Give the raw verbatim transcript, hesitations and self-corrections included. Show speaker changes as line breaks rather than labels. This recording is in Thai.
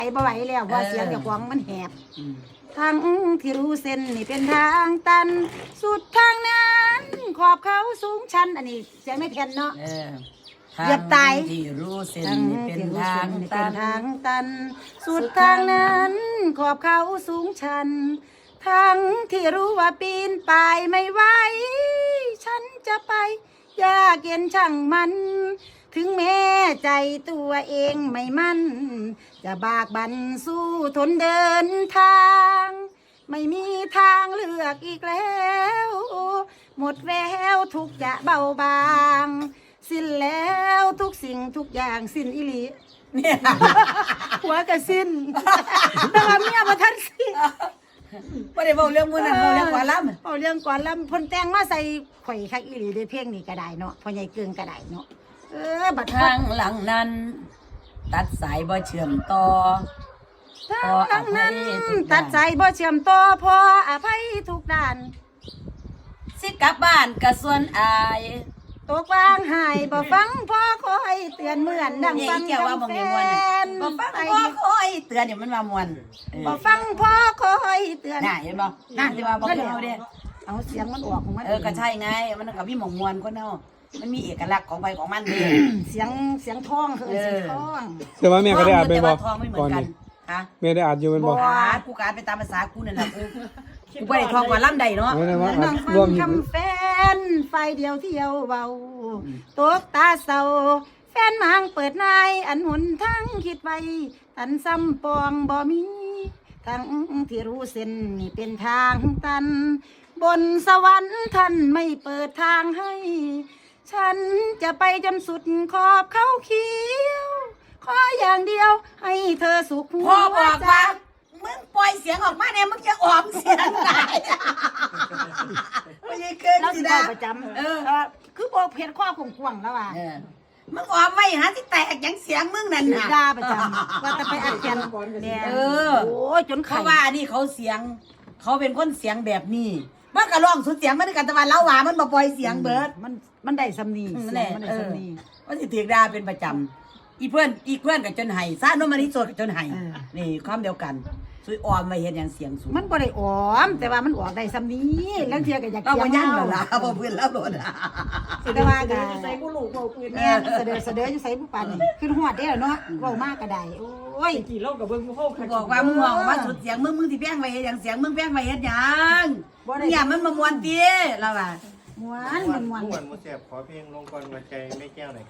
ไอ้บ่ไหวแล้วว่าเสียงเจ้าของมันแหบทางที่รู้เส้นนี่เป็นทางตันสุดทางนั้นขอบเขาสูงชันอันนี้เสียงไม่แทนเนาะเหยียบตาย
ที่รู้เส้น
ทาง
นี่เป็
ที่
น
รู้
ทา
เส้
ง
นนี่
ตั
เป็น
น
ทางตัน สุดทางนั้นขอบเขาสูงชันทั้งที่รู้ว่าปีนป่ายไม่ไหวฉันจะไปยากเย็นช่างมัน ถึงแม้ใจตัวเองไม่มั่นจะบากบั่นสู้ทนเดินทาง ไม่มีทางเลือกอีกแล้วหมดแววทุกจะเบาบางสิ้นแล้วทุกสิ่งทุกอย่างสิ้นอิลีเนี่ยหัวกระสิ้นแต่ว่าเมียมาทันสิ้น
ไม่ได้บอกเรื่องมือนั้นบอกเรื่องกว่าล้ำ
เอาเรื่องก่อนแล้วพนแต่งมาใส่ข่อยคักอิลีได้เพลงนี้ก็ได้เนาะพ่อใหญ่เกิงก็ได้เนาะเออบัด
ทางหลังนั้น ตัดสายบ่เชื่อมต่อ
ทางนั้นตัดใจบ่เชื่อมต่อพออภัยทุกด้าน
สิกลับบ้านกระส่วนอาย
ตกวางหายบ่ฟังพ่อคอยเตือนเหมือนดังฟัง
เกี่ยวว่าบ่
แฟ
มีมวน
น
บ่ฟังพ่อคอยเตือนเนี่ยมันว่ามวน
บ่ฟังพ่อคอยเตือน
น่ะเห็นบ่น่ะที่ว่าบ่เกี่ยวเด้
เอาเสียงมันออกของมัน
เออก็ใช่ไงมันก็มีหม่องมวนคนเฮามันมีเอกลักษณ์ของไปของมันเด้
เสียงเสียงท้องคือเสียงท้อง
แต่ว่าแม่ก็ได้อ่านไปบ่
ทองไม่เหมือ
ก่อน
นกัน
นี้
ฮะ
แม่ได้อ่านอยู่เป็นบ่
บ่กูการไปตามภาษากูนั่นแหละกูกูบ่ได้ทองกว่าล่ำใดเนาะ
ไม่ได้ว่า
นั่งฟั
ร่วม
ง
อยู่
คำแฟนไฟเดียวเที่ยวเบาตกตาเศร้าแฟนมางเปิดนายอันหนทั้งคิดไว้ตันซ้ำปองบ่มีทั้งที่รู้เส้นนี่เป็นทางตัน บนสวรรค์ท่านไม่เปิดทางให้ ฉันจะไปจนสุดขอบเขาเขียวขออย่างเดียวให้เธอสุขหัว
พ่อบอก
ใจ
ว่ามึงปล่อยเสียงออกมาเนี่ยมึงจะออมเสียงได้ไม่ใช่เกิน
แล้ว
สิ
สิ
นะ
ได้ประจำ
เออ
เออคือบอกเพจข้อกวางๆแล้วอ่ะ
เออมึงออมไว้หาที่แตกอย่างเสียงมึงนั่น
ถือ
น่ะ
ดาประจำว่าจะไปอัดกันเนี่ย
เออ
โอ้ยจน
เพ
ไข่
ราะว่าอันนี้เขาเสียง เขาเป็นคนเสียงแบบนี้มันก็ร้องสุดเสียงมันด้วยกันแต่ว่าเล่าว่ามันมาปล่อยเสียงเบิร์ด
มันมันได้สำนี
นั่น
เสี
แห
ยง
ละ
มันได้
เออ
สำนี
ว่าสิถือดาเป็นประจำอีเพื่อนอีเพื่อนกับจนไห้ซาโนมานิโซกับจนไห้นี่ความเดียวกันซุยออมไว้เห็นอย่างเสียงสูง
มันบ่ได้ออม แต่ว่ามันออกได้สำนีแล้วเทียก็อยาก
เรา
เกี่
บ่
ยว
ยั่ง
เมา
แล้วล่ะบ่เพื่อนแล้วโดนอ่ะ
แต่ว่าก็
ใส่กูหลูกเบาปืน
แม่นเสดอเสดออยู่ใส่ผู้ปันนี่ขึ้นหอดได้แล้วเนาะเว้ามากก็ได้โอ้ย
กี่รอบกับเบิ้งกูเข้า
กูบอกว่ามึงเอามาสุดเสียงมึงมึงที่แป้งไว้เฮ็ดหยังเสียงมึงแป้งไว้เฮ็ดหยังเนี่ยมันมามวนติแล้วว่า
ม้วนมันม้วน
ม่วนมุเสียบขอเพลงลงก่อนมาใจไม่แก้วหน่อย